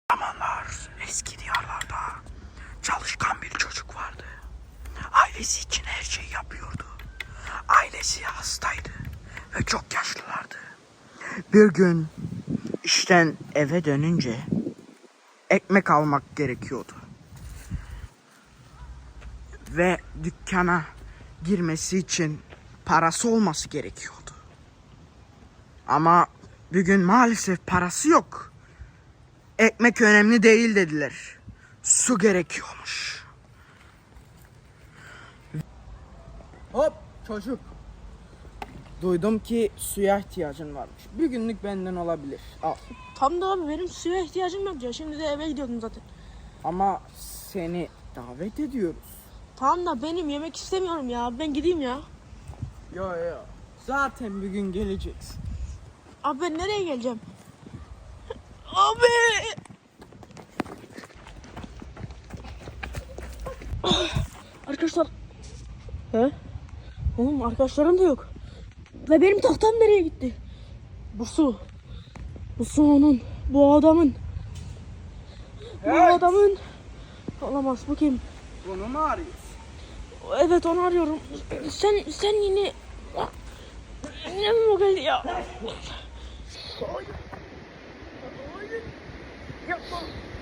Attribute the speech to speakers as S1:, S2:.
S1: Zamanlar eski diyarlarda çalışkan bir çocuk vardı. Ailesi için her şeyi yapıyordu. Ailesi hastaydı ve çok yaşlılardı. Bir gün işten eve dönünce ekmek almak gerekiyordu. Ve dükkana girmesi için parası olması gerekiyordu. Ama bugün maalesef parası yok. Ekmek önemli değil dediler. Su gerekiyormuş. Hop çocuk. Duydum ki suya ihtiyacın varmış. Bir günlük benden olabilir. Al.
S2: Tam da abi benim suya ihtiyacım yok ya. Şimdi de eve gidiyordum zaten.
S1: Ama seni davet ediyoruz.
S2: Tamam da benim yemek istemiyorum ya. Ben gideyim ya.
S1: Yo. Zaten bir gün geleceksin.
S2: Abi ben nereye geleceğim? Abi! Arkadaşlar. He? Oğlum arkadaşlarım da yok. Ve benim tahtam nereye gitti? Bu su. Bu su onun. Bu adamın. Bu adamın. Olamaz, bu kim?
S1: Bunu mu arıyorsun?
S2: Evet, onu arıyorum. Sen yine... Yine mi o geldi ya? Hayır. Yapma.